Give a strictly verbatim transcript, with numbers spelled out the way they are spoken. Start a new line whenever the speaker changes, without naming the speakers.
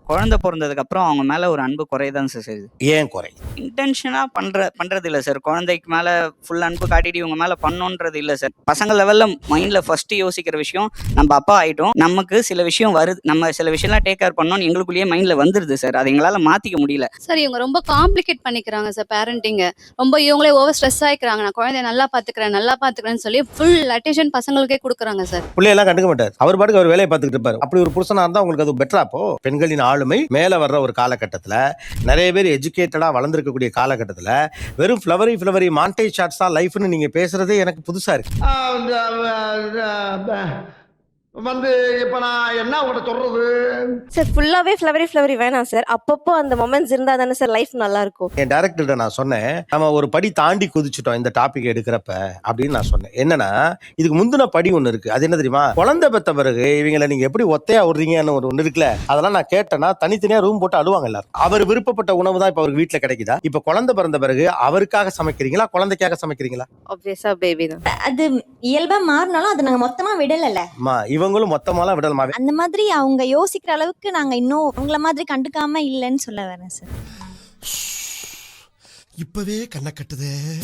குழந்தை பொறந்ததுக்கு அப்புறம் அவங்க மேல ஒரு அன்பு குறையதான் சார் செய்யுது.
ஏன் குறை?
இன்டென்ஷனா பண்ற பண்றது இல்ல சார். குழந்தைக்கு மேல ஃபுல் அன்பு காட்டிட்டு இவங்க மேல பண்ணணுன்றது இல்ல சார். பசங்க லெவல்ல மைண்ட்ல ஃபர்ஸ்ட் யோசிக்கிற விஷயம், நம்ம அப்பா ஆயிட்டோம், நமக்கு சில விஷயம் வருது, நம்ம சில விஷயம்லாம் டேக் கேர் பண்ணணும்னு எங்களுக்குள்ளேயே மைண்ட்ல வந்துருது சார். அதை எங்களால மாத்திக்க முடியல
சார். இவங்க ரொம்ப காம்ப்ளிகேட் பண்ணிக்கிறாங்க சார் பேரண்டிங்க. ரொம்ப இவங்களே ஓவர் ஸ்ட்ரெஸ் ஆயிக்கிறாங்க. நான் குழந்தைய நல்லா பாத்துக்கிறேன் நல்லா பாத்துக்கிறேன்னு சொல்லி ஃபுல் அட்டென்ஷன் பசங்களுக்கே கொடுக்குறாங்க சார்.
பிள்ளையெல்லாம் கண்டுக்க மாட்டார், அவர் பாட்டுக்கு அவர் வேலையை பார்த்துக்கிட்டு இருப்பாரு. அப்படி ஒரு புருஷனா இருந்தா உங்களுக்கு அது பெட்டரா? அப்போ பெண்களின் ஆளுமை மேல வர்ற ஒரு காலகட்டத்துல, நிறைய பேர் எஜுகேட்டடா வளர்ந்துருக்கக்கூடிய காலகட்டத்துல வெறும் ஃபிளவரி ஃபிளவரி மாண்டேஜ் ஷாட்ஸ் தான் லைஃப்னு நீங்க பேசுறதே எனக்கு புதுசா இருக்கு.
வந்து இப்ப நான் என்ன உங்கள்கிட்ட சொல்றது
சார்? ஃபுல்லாவே ஃப்ளவரி ஃப்ளவரி வேணாம் சார். அப்பப்போ அந்த மொமெண்ட்ஸ் இருந்தா தானே சார் லைஃப் நல்லா இருக்கும்.
என் டைரக்டர்கிட்ட நான் சொன்னேன், நம்ம ஒரு படி தாண்டி குதிச்சுட்டோம் இந்த டாபிக் எடுக்கிறப்ப அப்படின்னு நான் சொன்னேன். என்னன்னா, இதுக்கு முந்தின படி ஒண்ணு இருக்கு. அது என்ன தெரியுமா? குழந்தை பெத்த பிறகு இவங்களை நீங்க எப்படி ஒத்தையா விடுறீங்கன்னு ஒரு ஒண்ணு இருக்குல்ல, அதெல்லாம் நான் கேட்டேன்னா தனித்தனியா ரூம் போட்டு அழுவாங்க எல்லாரும். அவர் விருப்பப்பட்ட உணவு தான் இப்ப அவருக்கு வீட்டுல கிடைக்குதா? இப்ப குழந்தை பிறந்த பிறகு அவருக்காக சமைக்கிறீங்களா, குழந்தைக்காக சமைக்கிறீங்களா?
ஆப்வியஸா பேபி தான்.
அது இயல்பா மாறினாலும் அது நாங்க மொத்தமா விடல.
இவங்களும் மொத்தமாலாம் விடலாமா?
அந்த மாதிரி அவங்க யோசிக்கிற அளவுக்கு நாங்க இன்னும் அவங்கள மாதிரி கண்டுக்காம இல்லைன்னு சொல்ல வரேன் சார்.
இப்பவே கண்ணை கட்டுதே.